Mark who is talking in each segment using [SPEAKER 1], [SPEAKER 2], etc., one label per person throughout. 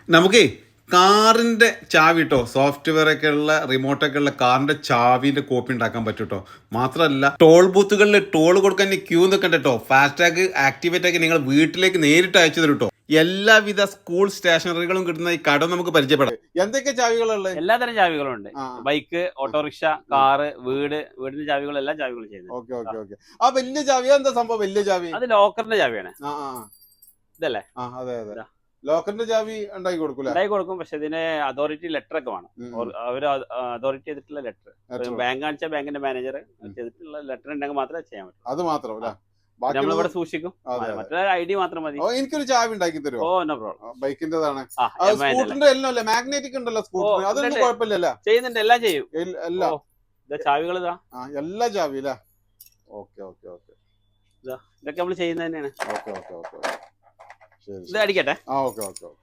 [SPEAKER 1] നമുക്കേ കാറിന്റെ ചാവി കേട്ടോ, സോഫ്റ്റ്വെയർ ഒക്കെ ഉള്ള റിമോട്ടൊക്കെ ഉള്ള കാറിന്റെ ചാവിന്റെ കോപ്പി ഉണ്ടാക്കാൻ പറ്റും കേട്ടോ. മാത്രമല്ല ടോൾ ബൂത്തുകളിൽ ടോൾ കൊടുക്കാൻ ക്യൂ നിൽക്കണ്ട കേട്ടോ. ഫാസ്ടാഗ് ആക്ടിവേറ്റ് ആക്കി നിങ്ങൾ വീട്ടിലേക്ക് നേരിട്ട് അയച്ചു തരും കേട്ടോ. എല്ലാവിധ സ്കൂൾ സ്റ്റേഷനറികളും കിട്ടുന്ന ഈ കട നമുക്ക് പരിചയപ്പെടാം. എന്തൊക്കെ ചാവികളുള്ളത്?
[SPEAKER 2] എല്ലാതരം ചാവികളും ഉണ്ട്. ബൈക്ക്, ഓട്ടോറിക്ഷ, കാറ്, വീടിന്റെ ചാവികളും എല്ലാ ചാവികളും ചെയ്യുന്നത്.
[SPEAKER 1] Okay okay okay. ആ വലിയ ചാവി എന്താ സംഭവം? വലിയ ചാവി
[SPEAKER 2] അത് ലോക്കറിന്റെ ചാവിയാണ്. ഇതല്ലേ?
[SPEAKER 1] അതെ അതെ. ലോക്കറിന്റെ ചാവി ഉണ്ടാക്കി
[SPEAKER 2] കൊടുക്കും. പക്ഷെ ഇതിന് അതോറിറ്റി ലെറ്റർ ഒക്കെ വേണം. അവര് അതോറിറ്റി ചെയ്തിട്ടുള്ള ലെറ്റർ, ബാങ്ക് കാണിച്ച ബാങ്കിന്റെ മാനേജർ ചെയ്തിട്ടുള്ള ലെറ്റർ ഉണ്ടെങ്കിൽ മാത്രമേ ചെയ്യാൻ പറ്റൂ.
[SPEAKER 1] അത് മാത്രമല്ല
[SPEAKER 2] നമ്മളിവിടെ സൂക്ഷിക്കും. മറ്റേ ഐഡി മാത്രം മതി.
[SPEAKER 1] എനിക്കൊരു ചാവി ഉണ്ടാക്കി തരുമോ?
[SPEAKER 2] Oh no problem.
[SPEAKER 1] ബൈക്കിന്റേതാണ്. സ്കൂട്ടറിന്റെ എല്ലാം അല്ലേ? മാഗ്നറ്റിക് ഉണ്ടല്ലോ സ്കൂട്ടർ, അതൊന്നും കുഴപ്പമില്ലല്ലോ.
[SPEAKER 2] ചെയ്യുന്നുണ്ട്, എല്ലാം ചെയ്യും.
[SPEAKER 1] എല്ലാം
[SPEAKER 2] ചാവികൾ
[SPEAKER 1] എല്ലാ ചാവി അല്ലേ? Okay okay okay.
[SPEAKER 2] ഇതൊക്കെ നമ്മൾ ചെയ്യുന്നത് തന്നെയാണ്.
[SPEAKER 1] Okay okay okay.
[SPEAKER 2] ഇത് അടിക്കട്ടെ.
[SPEAKER 1] Okay okay okay.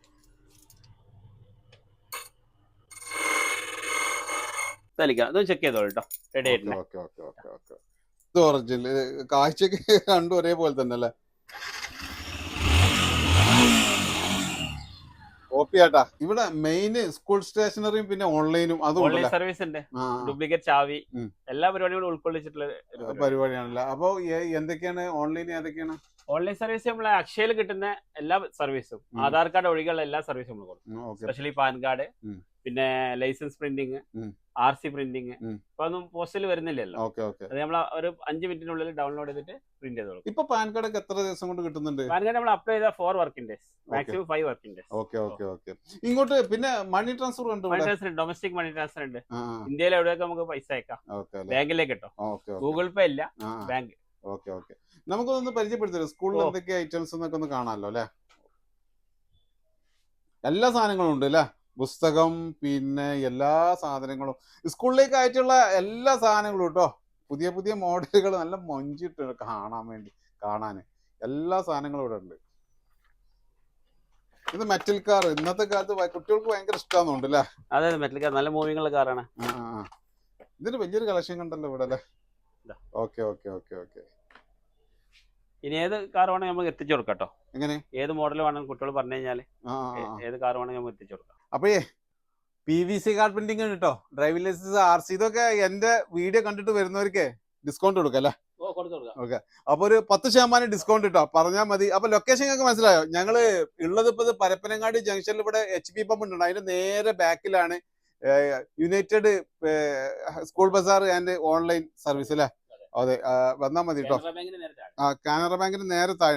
[SPEAKER 2] ഇത് ചെക്ക് ചെയ്തോളൂ കേട്ടോ. റെഡി ആയിട്ടുണ്ട്.
[SPEAKER 1] Okay okay okay okay. ഇത് ഒറിജിനൽ കാഴ്ചക്ക് രണ്ടും ഒരേപോലെ തന്നെ അല്ലേ? കോപ്പിയാട്ടാ. ഇവിടെ മെയിൻ സ്കൂൾ സ്റ്റേഷനറിയും പിന്നെ ഓൺലൈനും
[SPEAKER 2] ഓൺലൈൻ സർവീസ് ഉണ്ട്. ഡ്യൂപ്ലിക്കേറ്റ് ചാവി എല്ലാ പരിപാടികളും ഉൾക്കൊള്ളിച്ചിട്ടുള്ള
[SPEAKER 1] പരിപാടിയാണല്ലോ. അപ്പൊ എന്തൊക്കെയാണ് ഓൺലൈൻ? ഏതൊക്കെയാണ്
[SPEAKER 2] ഓൺലൈൻ സർവീസ്? നമ്മളെ അക്ഷയയിൽ കിട്ടുന്ന എല്ലാ സർവീസും, ആധാർ കാർഡ് ഒഴികെയുള്ള എല്ലാ സർവീസും നമ്മൾ കൊടുക്കും. സ്പെഷ്യലി പാൻ കാർഡ്, പിന്നെ ലൈസൻസ് പ്രിന്റിങ്, RC പ്രിന്റിങ്. ഇപ്പൊ ഒന്നും പോസ്റ്റിൽ വരുന്നില്ലല്ലോ. അത് നമ്മൾ ഒരു 5 മിനിറ്റിനുള്ളിൽ ഡൗൺലോഡ് ചെയ്തിട്ട് പ്രിന്റ് ചെയ്ത് കൊടുക്കും.
[SPEAKER 1] ഇപ്പൊ പാൻ കാർഡ് ഒക്കെ എത്ര ദിവസം കൊണ്ട് കിട്ടുന്നുണ്ട്?
[SPEAKER 2] പാൻ കാർഡ് നമ്മൾ അപ്ലൈ ചെയ്ത 4 working days, maximum 5 working days.
[SPEAKER 1] Okay okay okay. ഇങ്ങോട്ട് പിന്നെ മണി ട്രാൻസ്ഫർ ഉണ്ട്.
[SPEAKER 2] Money transfer, domestic money transfer ഉണ്ട്. ഇന്ത്യയിൽ എവിടെയൊക്കെ നമുക്ക് പൈസ അയക്കാം. ബാങ്കിലേക്ക് കേട്ടോ. ഗൂഗിൾ പേ ഇല്ല, ബാങ്ക്.
[SPEAKER 1] Okay okay. നമുക്കൊന്ന് പരിചയപ്പെടുത്തരുത് സ്കൂളിൽ എന്തൊക്കെ ഐറ്റംസ് എന്നൊക്കെ ഒന്ന് കാണാമല്ലോ അല്ലെ? എല്ലാ സാധനങ്ങളും ഉണ്ട് അല്ലെ? പുസ്തകം, പിന്നെ എല്ലാ സാധനങ്ങളും സ്കൂളിലേക്ക് ആയിട്ടുള്ള എല്ലാ സാധനങ്ങളും കേട്ടോ. പുതിയ പുതിയ മോഡലുകൾ നല്ല മൊഞ്ചിട്ട് കാണാൻ എല്ലാ സാധനങ്ങളും ഇവിടെ ഉണ്ട്. ഇത് മെറ്റൽ കാർ ഇന്നത്തെ കാലത്ത് കുട്ടികൾക്ക് ഭയങ്കര ഇഷ്ടമാണെന്നുണ്ട് അല്ലേ?
[SPEAKER 2] അതെ, മെറ്റൽ കാർ നല്ല മൂവിംഗ് ഉള്ള കാറാണ്.
[SPEAKER 1] ഇതിന് വലിയൊരു കളക്ഷൻ കണ്ടല്ലോ ഇവിടെ അല്ലേ? Okay okay okay okay.
[SPEAKER 2] ഇനി ഏത് കാർ വേണമെങ്കിൽ നമുക്ക് എത്തിച്ചു കൊടുക്കാം കേട്ടോ.
[SPEAKER 1] എങ്ങനെ?
[SPEAKER 2] ഏത് മോഡൽ വേണമെങ്കിൽ കുട്ടികൾ പറഞ്ഞു കഴിഞ്ഞാൽ ഏത് കാർ വേണമെങ്കിൽ നമുക്ക് എത്തിച്ചു കൊടുക്കാം.
[SPEAKER 1] അപ്പോഴേ PVC കാർ പ്രിന്റിംഗ് ആണ് കേട്ടോ. ഡ്രൈവിംഗ് ലൈസൻസ്, RC, ഇതൊക്കെ എന്റെ വീഡിയോ കണ്ടിട്ട് വരുന്നവർക്ക് ഡിസ്കൗണ്ട് കൊടുക്കാം അല്ലേ? ഓക്കെ. അപ്പൊ ഒരു 10% ഡിസ്കൗണ്ട് കിട്ടോ, പറഞ്ഞാൽ മതി. അപ്പൊ ലൊക്കേഷൻ ഒക്കെ മനസ്സിലായോ? ഞങ്ങള് ഉള്ളത് ഇപ്പൊ പരപ്പനങ്ങാടി ജംഗ്ഷനിൽ ഇവിടെ HP പമ്പ് ഉണ്ട്. അതിന്റെ നേരെ ബാക്കിലാണ് united school bazaar and online service അല്ലേ? അതെ, വന്നാൽ മതി കേട്ടോ. കാനറ ബാങ്കിന് നേരെ താഴെ.